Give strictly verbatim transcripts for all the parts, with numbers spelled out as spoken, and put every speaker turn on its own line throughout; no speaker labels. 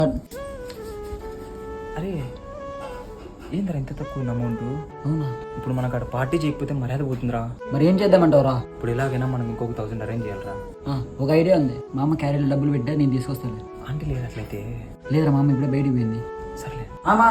అరే ఏంద్రా ఇంత తక్కువ అమౌంట్?
అవునా?
ఇప్పుడు మనకు అక్కడ పార్టీ చేయకపోతే మర్యాద పోతుందిరా.
మరి ఏం చేద్దామంటావురా?
ఇప్పుడు ఎలాగైనా మనం ఇంకొక థౌసండ్ అరేంజ్ చేయాలరా.
ఒక ఐడియా ఉంది. మా అమ్మ క్యారీలో డబ్బులు పెట్టా, నేను తీసుకొస్తాను.
ఆంటీ లేదు అట్లయితే?
లేదురా, మా అమ్మ ఇప్పుడే బయటికి పోయింది.
సర్లే
అమ్మా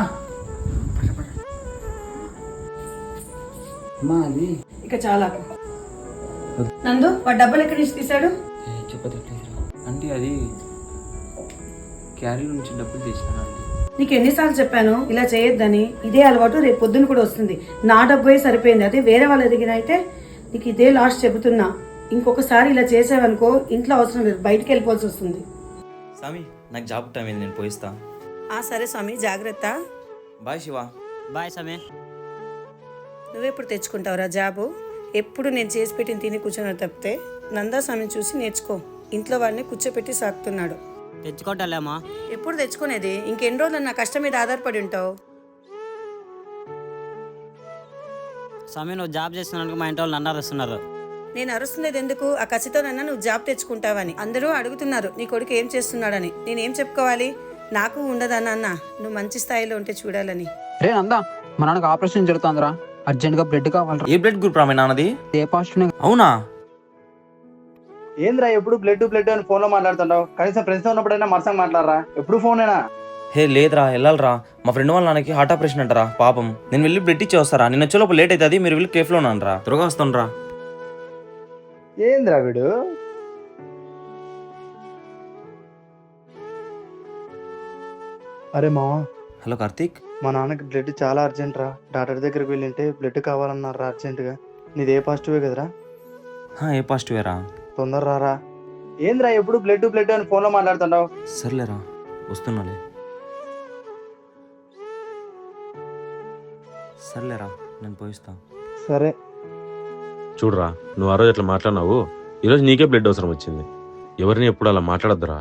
అమ్మా అది
ఇక చాలా నందు వాడు డబ్బులు ఎక్కడి నుంచి తీశాడు?
చెప్పదు.
ఆంటీ అది క్యారీ నుంచి డబ్బులు తీసినాను ఆంటీ.
నీకు ఎన్నిసార్లు చెప్పాను ఇలా చేయొద్దని? ఇదే అలవాటు రేపు పొద్దున కూడా వస్తుంది. నా డబ్బు సరిపోయింది, అదే వేరే వాళ్ళ దగ్గర అయితే నీకు ఇదే లాస్ట్ చెబుతున్నా. ఇంకొకసారి ఇలా చేసావనుకో ఇంట్లో అవసరం లేదు, బయటికి వెళ్ళిపోవాల్సి వస్తుంది.
స్వామి నాకు జాబ్ టైం అయింది, నేను పోయిస్తా.
ఆ సరే స్వామి, జాగ్రత్త.
బాయ్ శివ.
బాయ్ స్వామి.
నువ్వెప్పుడు తెచ్చుకుంటావురా జాబు? ఎప్పుడు నేను చేసి పెట్టిన తిని కూర్చొని తప్పితే నందా స్వామిని చూసి నేర్చుకో. ఇంట్లో వాడిని కూర్చోపెట్టి సాకుతున్నాడు.
తెచ్చుకోవటాలేమా?
ఎప్పుడు తెచ్చుకునేది? ఇంకెన్ని రోజులు నా కష్టం మీద ఆధారపడి ఉంటావు?
స్వామి నువ్వు జాబ్ చేస్తున్నాను, మా ఇంటి వాళ్ళు నన్ను అరుస్తున్నారు.
నేను అరుస్తున్నది ఎందుకు? ఆ కసితోనన్నా నువ్వు జాబ్ తెచ్చుకుంటావని. అందరూ అడుగుతున్నారు నీ కొడుకు ఏం చేస్తున్నాడని. నేనేం చెప్పుకోవాలి? నాకు ఉండదన్నా అన్న నువ్వు మంచి స్థాయిలో ఉంటే చూడాలని.
రే నందా, మా నాన్నకు ఆపరేషన్ జరుగుతుందిరా, అర్జెంట్ గా బ్లడ్ కావాలి.
ఏ బ్లడ్ గ్రూప్ రా మీ నాన్నది?
A positive.
అవునా?
ఏంద్రా ఎప్పుడు బ్లడ్ బ్లడ్ అని ఫోన్ లో మాట్లాడుతుంటావు? కనీసం ఫ్రెండ్స్ తో ఉన్నప్పుడైనా మనసంగా మాట్లాడరా, ఎప్పుడు ఫోనేనా?
హే లేదురా, వెళ్ళాలరా. మా ఫ్రెండ్ వాళ్ళ నాన్నకి హార్ట్ ఆపరేషన్ అంటారా పాపం. నేను వెళ్ళి బ్లడ్ ఇచ్చి వస్తారా. నేను వచ్చేలోపు లేట్ అవుతుంది, మీరు వెళ్ళి కేఫ్లో ఉన్నానరా. త్వరగా వస్తాను.
ఏంద్రా వీడు? అరే మావా.
హలో కార్తీక్.
మా నాన్నకి బ్లడ్ చాలా అర్జెంట్ రా, డాక్టర్ దగ్గరికి వెళ్ళింటే బ్లడ్ కావాలన్నారా అర్జెంట్ గా. నీది ఏ పాజిటివే కదరా?
ఏ పాజిటివేరా?
తొందర రారా. ఏంద్రా ఎప్పుడు బ్లడ్ బ్లడ్ అని ఫోన్ లో మాట్లాడుతుంటావు?
సర్లేరా వస్తున్నాలే. సర్లేరా నేను పోయిస్తా.
సరే.
చూడరా, నువ్వు ఆ రోజు అట్లా మాట్లాడినావు, ఈరోజు నీకే బ్లడ్ అవసరం వచ్చింది. ఎవరిని ఎప్పుడు అలా మాట్లాడద్దురా.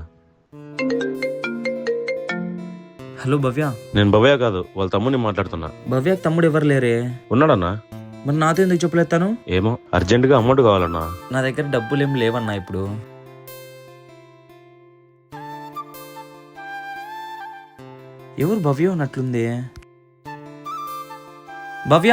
హలో భవ్య.
నేను భవ్య కాదు, వాళ్ళ తమ్ముడిని మాట్లాడుతున్నా.
భవ్యకి తమ్ముడు ఎవరు లేరే?
ఉన్నాడన్నా.
మరి నాతో ఎందుకు చెప్పలేస్తాను?
ఏమో అర్జెంట్ గా అమౌంట్ కావాలన్నా.
నా దగ్గర డబ్బులు ఏం లేవన్నా ఇప్పుడు. ఎవరు భవ్య ఉన్నట్లుంది? భవ్య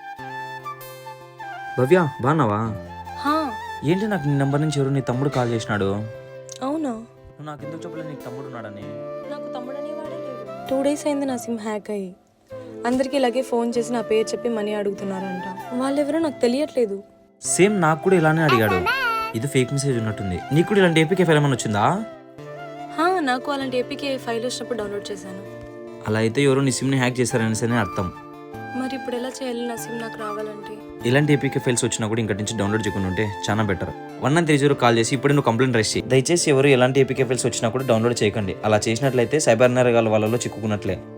భవ్య బాగున్నావా? ఏంటి నాకు నీ నెంబర్ నుంచి ఎవరు నీ తమ్ముడు కాల్ చేసినాడు?
అవునా?
నువ్వు నాకు ఎందుకు చెప్పలేదు నీకు తమ్ముడు ఉన్నాడని?
నాకు తమ్ముడు అనేవాడే లేదు. టూ డేస్ అయింది నా సిమ్ హ్యాక్ అయ్యి. అందరికీ ఇలాగే ఫోన్ చేసి నా పేరు చెప్పి మనీ అడుగుతున్నారంట. వాళ్ళెవరో నాకు తెలియట్లేదు.
సేమ్ నాకు కూడా ఇలానే అడిగాడు. ఇది ఫేక్ మెసేజ్ ఉన్నట్టుంది. నీకు కూడా ఇలాంటి ఏపీకే ఫైల్ ఏమైనా వచ్చిందా?
హా, నాకు అలాంటి ఏపీకే ఫైల్ వచ్చినప్పుడు డౌన్లోడ్ చేశాను.
అలా అయితే ఎవరో నీ సిమ్ని హ్యాక్ చేశారనేసి అర్థం.
మరి ఇప్పుడు ఎలా చేయాలి నా సిమ్ నాకు రావాలంటే?
ఇలాంటి ఏపీకే ఫైల్స్ వచ్చినా కూడా ఇంకటి నుంచి డౌన్లోడ్ చేయకుండా ఉంటే చాలా better. One nine three zero call చేసి ఇప్పుడే నువ్వు కంప్లైంట్ రైజ్ చేయి. దయచేసి ఎవరు ఎలాంటి ఏపీకే ఫైల్స్ వచ్చినా కూడా డౌన్లోడ్ చేయకండి. అలా చేసినట్లయితే సైబర్ నేరగాల వాళ్ళలో చిక్కుకున్నట్లే.